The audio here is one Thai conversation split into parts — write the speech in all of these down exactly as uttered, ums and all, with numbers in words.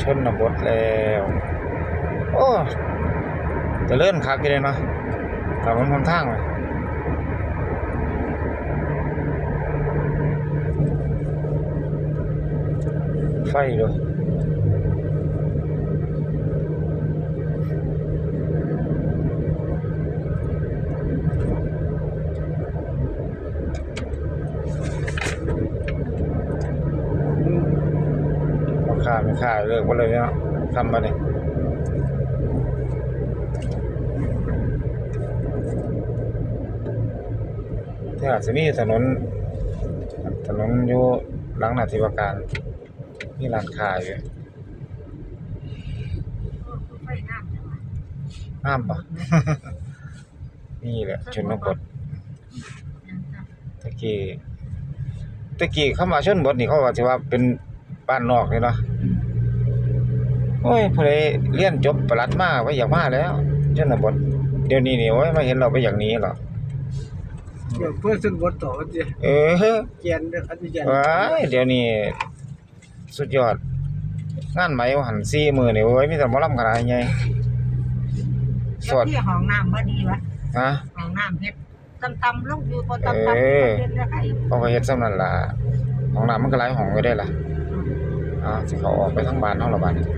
นบทแล้วโอ้จะเลื่อนคักเลยเนาะถนนหนทางเลยไฟด้วยราคาไม่ค่าเลิกไปเลยเนาะทำมาเนี่ยที่อาจจะมีถนนถนนอยู่หลังนาธิวการมีร้านค้าอยู่ห้ามปะ นี่แหละชนบทตะกี้ตะกี้เข้ามาชนบทนี่เขาว่าสิว่าเป็นบ้านนอกเลยเนาะโอ้ยผู้ใดเรียนจบปรัชญ์มาไว้อยากมาแล้วชนบทเดี๋ยวนี้นี่โอ้ยมาเห็นเราไปอย่างนี้หรอเดี๋ยวเพื่อนชนบทต่อจิเออเกียนเด้ออธิเกียนว้ายเดี๋ยวนี้สุดยอดงานไหมหันสี่มื้อนี่โอ้ยมีแต่หมอลำขนาดใหญ่สดที่ห้องน้ำบ่ดีวะฮะห้องน้ำเฮ็ดตำๆลงอยู่บ่ตำๆเฮ็ดแล้วไอ้เขาก็เฮ็ดซำนั้นล่ะห้องน้ำมันก็หลายห้องอยู่ได้ล่ะอ่าสิเขาออกไปทางบ้านเฮาละบัดนี้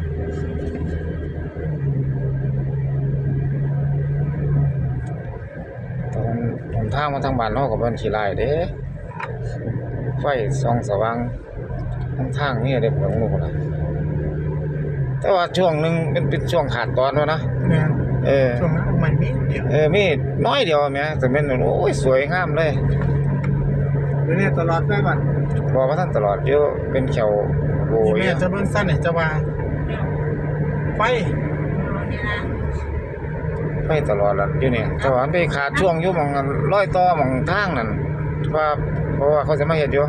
ตรงหนทางมาทางบ้านเฮาก็บ่ขี้ลายเด้ไฟส่องสว่างทางนี้เด้ผมรู้ล่ะแต่ว่าช่วงนึงเป็นเป็นช่วงขาดตอนวะนะแม่นเออช่วงนั้นมันมีเดียวเออมีน้อยเดียวแหมแต่เป็นโอ้ยสวยงามเลยเดี๋ยวนี้ตลอดไปบัดบ่ว่าท่านตลอดอยู่เป็นแถวโอ้ยแม่จะเบิ่งซั่นให้จะว่าไฟไฟตลอดล่ะอยู่นี่แต่ว่ามันไปขาดช่วงอยู่หม่องรอยต่อหม่องทางนั่นว่าเพราะว่าเขาจะมาเฮ็ดอยู่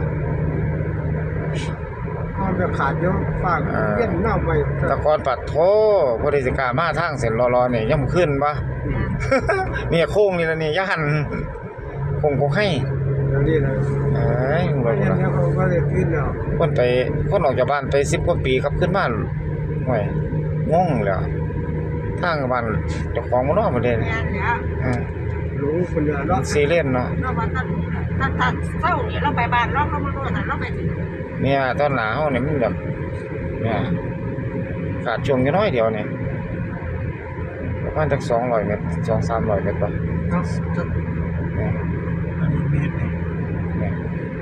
มันจะขาดอยู่ฝากเย็นเน่าไปตะกอนปัดโถบ่ได้สิกล้ามาทางเส้นรอๆนี่ย่ำขึ้นบ่เนี่ยโค้งนี่ล่ะนี่ย่านโค้งบ่ให้เดี๋ยวนี้นะเอ้ยบ่รู้แล้วเขาก็เลยขึ้นแล้วคนไปคนออกจากบ้านไปสิบกว่าปีครับขึ้นบ้านห่วยงงแล้วทางบ้านเจ้าของบ่เนาะประเด็นเออรู้คนเดียวเนาะซีเรียสเนาะเนาะว่าถ้าถ้าถ้าเช้านี่เราไปบ้านเราก็บ่รู้ว่าเราไปถึงเนี่ยตอนหน้าเฮานี่มันแบบเนี่ยขาดช่วงแค่น้อยเดียวนี่ประมาณสักสองร้อยเมตร สองถึงสามร้อยเมตรป่ะเนาะเนี่ยอันนี้เมตรเนี่ย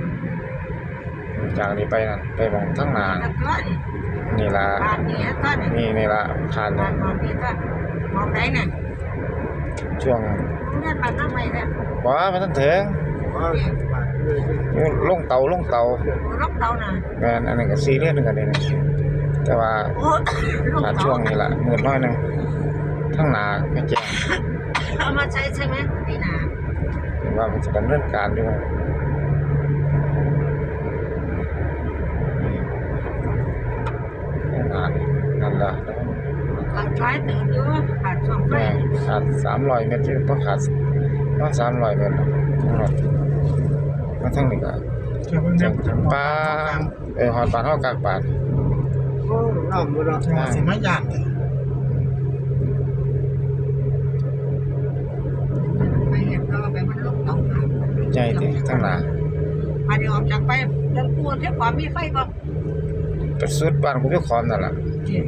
จากนี้ไปนั่นไปมองทางหน้านี่ล่ะบ้านนี้ก็นี่นี่ล่ะขาดบ้านนี้ก็มองได้น่ะช่วงเงินมาทำไมเนี่ยบ่มันทันถึงลงเตาลงเตาลงเตาน่ะแม่นอันนั้นก็ซีเรียสนึงกันนี่แต่ว่าขาดช่วงนี้ล่ะมืดน้อยนึงทั้งหน้าไม่แจ้งเอามาใช้ใช่ไหมนี่นะเห็นว่ามันจะดำเนินการอยู่นั่นนั่นล่ะขาดท้ายตื่นอยู่ขาดช่วงไฟขาดสามร้อยเมตรที่บ่ขาดว่าสามร้อยเมตรทั้งหมดมาทั้งนี้ก็จังป้าเออฮอดบ้านเฮากากบาทโอ้น้ำบ่ล่ะสิมาย่านแท้ไปเฮ็ดก็ไปมันลงเตาใจติทั้งหน้ามาเดี๋ยวออกจากไปดังกลัวเที่ความมีไฟบ่ไปสุดบ้านกูอยู่คอมนั่นล่ะ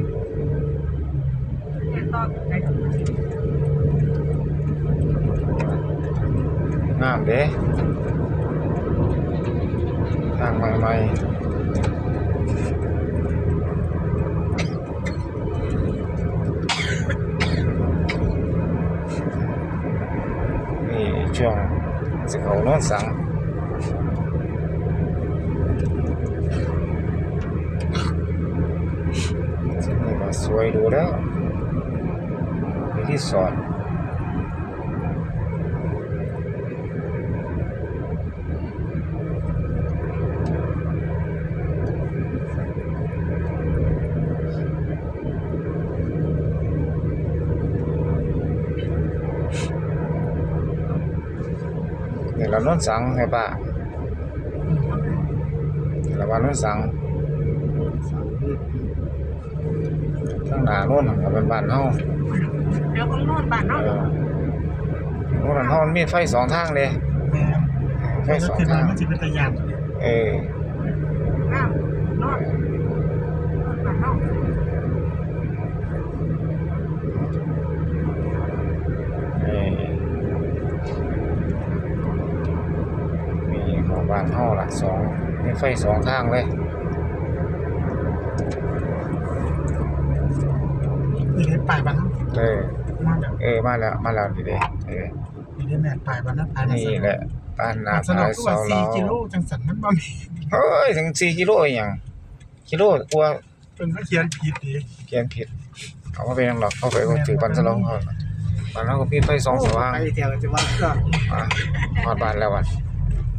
งามเด้ทางใหม่ๆนี่ช่วงสิเขาโน้นสังนี่ก็สวยดูแล้วมีที่สอดนี่เราโน้นสังให้ป้าเราบ้านโน้นสังทางหน้าโน่นก็เป็นบ้านเฮาเดี๋ยวของโน่นบ้านเอเนาะอโน่นเฮามันมีไฟสองทางเด้แม่ไฟก็สองคือทางมันสิเป็นตะยานเออน้ำโน่นบ้านเนาะเออมีของบ้านเฮาล่ะสองมีไฟสองทางเลยนี่ได้ปลายบ้านเออมาแล้วเออมาแล้วมาแล้วนี่เด้เออนี่ได้แม่ปลายบ้านนั้นปลายนี่แหละบ้านนาสนุพาก ยคือเสาว่าเราสี่กิโลจังสันมันบ่มีเฮ้ยถึงสี่กิโลอีหยังกิโลกลัวเพิ่นก็เขียนผิดดิเขียนผิดเอามาเป็นหยังหรอกเข้าไปก็ถือบันสลองเขาบ้านเราก็มีไฟสองสว่างไปเที่ยวจะว่าก็อ่ะฮอดบ้านแล้ววันเ